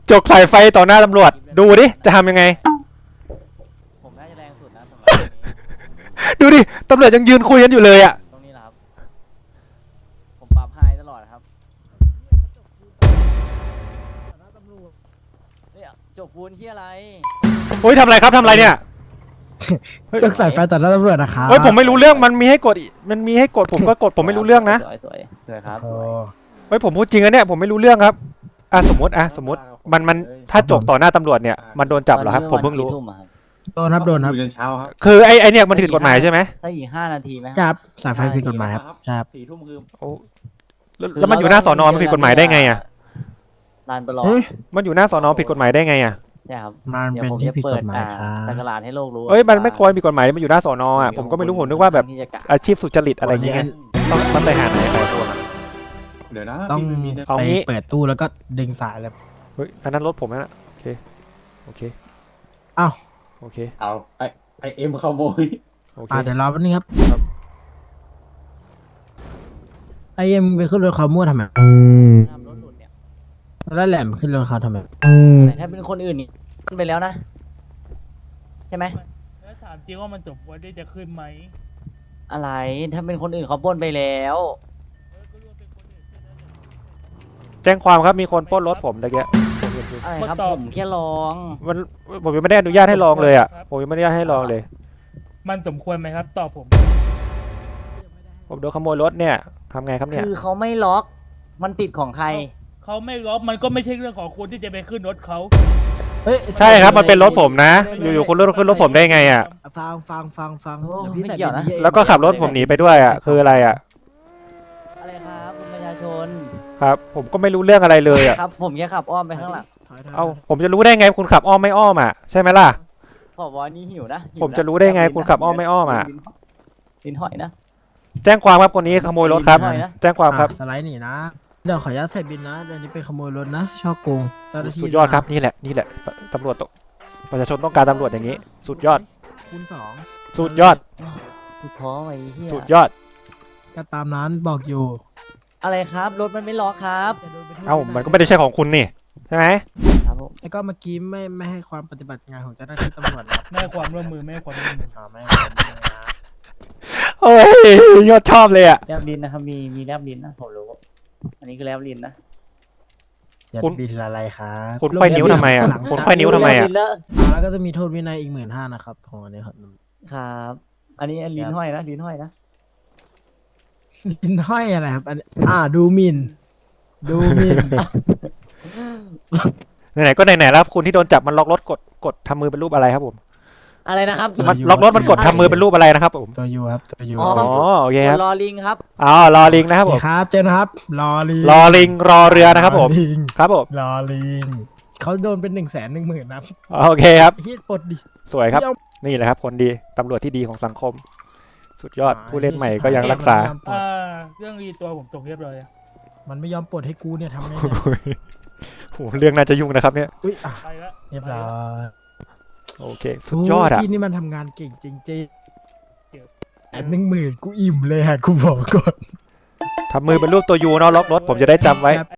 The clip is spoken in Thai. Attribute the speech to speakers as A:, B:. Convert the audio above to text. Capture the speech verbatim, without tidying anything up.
A: จกสายไฟต่อหน้าตำรวจดูดิจะทำยังไง
B: ผมน่าจะแรงสุดนะสำหรับ
A: ดูดิตำรวจยังยืนคุยกันอยู่เลยอ่ะ
B: ตรงนี้แหละครับผมปรับไฮตลอดครับเนี่ยจกปูนที่อะไร
A: โอ้ยทำอะไรครับทำอะไรเนี่ย
C: จกสายไฟต่อหน้าตำรวจนะครับ
A: เฮ้ยผมไม่รู้เรื่องมันมีให้กดอีกมันมีให้กดผมก็กดผมไม่รู้เรื่องนะ
B: สวยสวยสวยครับ
C: โอ้
B: สวย
A: เฮ้ยผมพูดจริงนะเนี่ยผมไม่รู้เรื่องครับอ่ะสมมติอ่ะสมมติมันมันถ้าจกต่อหน้าตำรวจเนี่ยมันโดนจับเหรอครับผมเพิ่งรู้
B: ตอนนี้ประมาณกี่ทุ่มอะครับ
C: โดนครับโดนครับ
D: อยู่จนเช้าครับ
A: คือไอ้ไอ้เนี่ยมันผิดกฎหมายใช่ไหม
B: ถ้าอีกห้านาทีไหม
C: ครับสายไฟผิดกฎหมายครับครับ
D: สี่ทุ่มคือ
A: โอ้แล้วแล้วมันอยู่หน้าสอนอมันผิดกฎหมายได้ไงอ่ะ
B: ลานประลอง
C: เฮ้ย
A: มันอยู่หน้าสอนอผิดกฎหมายได้ไงอ่ะ
B: เนี่ยครับ
C: มัน
B: ดี๋ยว
C: เป็น
B: ผม
C: ที่
B: จะ
C: ผิด
B: เปิ
C: กฎหมายครั
B: สัก
C: บ
B: การะให้โลกรู้
A: เอ้ยมันไม่ควรผิดกฎหมายมันอยู่หน้าสอนออ่ะผมก็ไม่รู้ผมนึกว่าแบบ
B: ที่จะกะ
A: อาชีพสุจริตอะไรอย่างเงี้ยต้องต้องไปหาไหนใครตัวมัน
D: เดี๋ยวนะ
C: ต้อง
D: พี่ไม่มีนะ
A: เอา
C: ไป
A: งี้
C: เปิดตู้แล้วก็ดึงสายเลย
A: เฮ้ยอันนั้นรถผมนะโอเคโอเค
C: อ้าว
A: โอเค
D: เอาไอไอเอ็มขโมย
A: โอเค
C: อ่าเดี๋ยวรอแป๊บนึงครับไอเอ็มไปขึ้นรถเขามั่วทำไม
B: ทำรถหลุดเนี่ย
C: แล้วแหลมขึ้นรถเขาทำไม
B: อะไรถ้าเป็นคนอื่นนี่ขึ้นไปแล้วนะ ใช่ไหม
E: แล้วถามจริงว่ามันสมควรที่จะขึ้นไหม
B: อะไรถ้าเป็นคนอื่นเขาปล้นไปแล้ว
E: เออก็รู้ว่าเป็นคนอื่นใช่ไหม
A: แจ้งความครับมีคนปล้นรถผมตะเกีย
B: อะไรครับ
E: มาตอบ
B: ผมแค่ลอง
A: มันผมยังไม่ได้อนุญาตให้ลองเลยอ่ะผมยังไม่ได้อนุญาตให้ลองเลย
E: มันสมควรไหมครับ ตอบผม
A: ผมโดนขโมยรถเนี่ยทำไงครับเนี่ย
B: คือเขาไม่ล็อก มันติดของใคร
E: เขาไม่ล็อกมันก็ไม่ใช่เรื่องของคุณที่จะไปขึ้นรถเขา
C: เฮ้ย
A: ใช่ครับมันเป็นรถผมนะ อยู่ๆคุณรถขึ้นรถผมได้ไงอ่ะ
C: ฟังฟังฟังฟัง
B: โอ้
C: เดี๋ยวพี่
B: ไม่
C: ใส่
B: เกี่ยวนะ
C: บิ
A: แล้วก็ขับรถผมหนีไปด้วยอ่ะคืออะไรอ่ะ
B: อะไรครับคุณประชาชน
A: ครับ ผมก็ไม่รู้เรื่องอะไรเลยอ่ะ
B: ครับ ผมแค่ขับอ้อมไปข้างหลัง
C: ถอยถย
A: เอาผมจะรู้ได้ไงคุณขับอ้อมไม่อ้อมอ่ะใช่ไหมล่ะ
B: ผบนี่หิวนะหิว
A: ผมจะรู้ได้ไงคุณขับอ้อมไม่อ้อมอะ
B: ลิ้นหอยนะ
A: แจ้งความครับคนนี้ขโมยรถครับ
B: ไม่ได้นะ
A: แจ้งความครับ
C: อ่ะสไลด์หนีนะเดี๋ยวขออนุญาตใส่บินนะเดี๋ยวนี้เป็นขโมยรถนะช่อโกงเจ้าหน้าที่
A: สุดยอดครับนี่แหละนี่แหละตำรวจต้องประชาชนต้องการตำรวจอย่างนี้ สุดยอด
C: คูณสอง
A: สุดยอด
B: กูท้อไอ้เหี้ย
A: สุดยอด
C: ก็ตามนั้นบอกอยู่
B: อะไรครับรถมันไม่ล็อกครับ
C: จะโดนไปโทษ
A: เอ้ามันก็ไม่ได้ใช่ของคุณนี่ใช่ไหม
B: ครับผม
C: แล้วก็เมื่อกี้ไม่ไม่ให้ความปฏิบัติงานของเจ้าหน้าที่ตำรวจนะครับ
E: ไม่ให้ความร่วมมือไม่ให้ความร่วมมือ
C: อ๋อไม่ให้ความร่วมมือนะ
A: โอ้ยยอดชอบเลยอ่ะ
B: แลบลิ้นนะครับมีมีแลบลิ้นนะผมรู้อันนี้คือแลบลิ้นนะ
C: อย่า
A: คุณ
C: บินอะไรครับ
A: คุณไขว้นิ้วทำไมอ่ะ
C: หลัง
A: คุณ
C: จาก
A: ไขว้นิ้วทำไมอ่ะ
B: ลิ้นแล้ว
C: อ่าแล้วก็จะมีโทษวินัยอีกหมื่นห้านะครับของอันนี้ครับ
B: ครับ อันนี้ลิ้นห้อยนะลิ้นห้อยนะ
C: ลิ้นห้อยอะไรครับอันอ่าดูหมินดูหมิน
A: ไหนๆก็ไหนๆแล้วคุณที่โดนจับมันล็อกรถกดกดทำมือเป็นรูปอะไรครับผม
B: อะไรนะครับ
A: มันล็อกรถมันกดทำมือเป็นรูปอะไรนะครับผม
C: ตัวยูครับตัวยู
B: อ๋อ
A: อ๋อโอเคครับ
B: รอลิงครับ
A: อ๋อรอลิงนะครับผ
C: โอ
A: ม
C: เคครับเจนครับรอลิง
A: รอลิงรอเรือนะครับผม
C: อลิง
A: ครับผม
C: รอลิงเขาโดนเป็นหนึ่งแสนหนึ่งหมื่นนะ
A: โอเคครับ
C: เฮียปลดดิ
A: สวยครับ
C: ไม่ยอม
A: นี่แหละครับคนดีตำรวจที่ดีของสังคม สุดยอดผู้เล่นใหม่ก็ยังรักษา
C: มันไม่ยอมปลด
E: อ่าเรื่องรีตัวผมส่งเรียบร้อยอะ
C: มันไม่ยอมปลดให้กูเนี่ยทำไง
A: โหเรื่องน่าจะยุ่งนะครับเนี่ย
C: อุ้ยอ่ะ
E: ไปละ
C: เรียบร้อย
A: โอเค สุดยอดอ่ะ
C: พี่นี่มันทำงานเก่งจริงๆแต่หนึ่งหมื่นกูอิ่มเลยฮะกูบอกก่อน
A: ทำมือเป็นรูปตัวยูเนาะล็อกรถผมจะได้จำไว้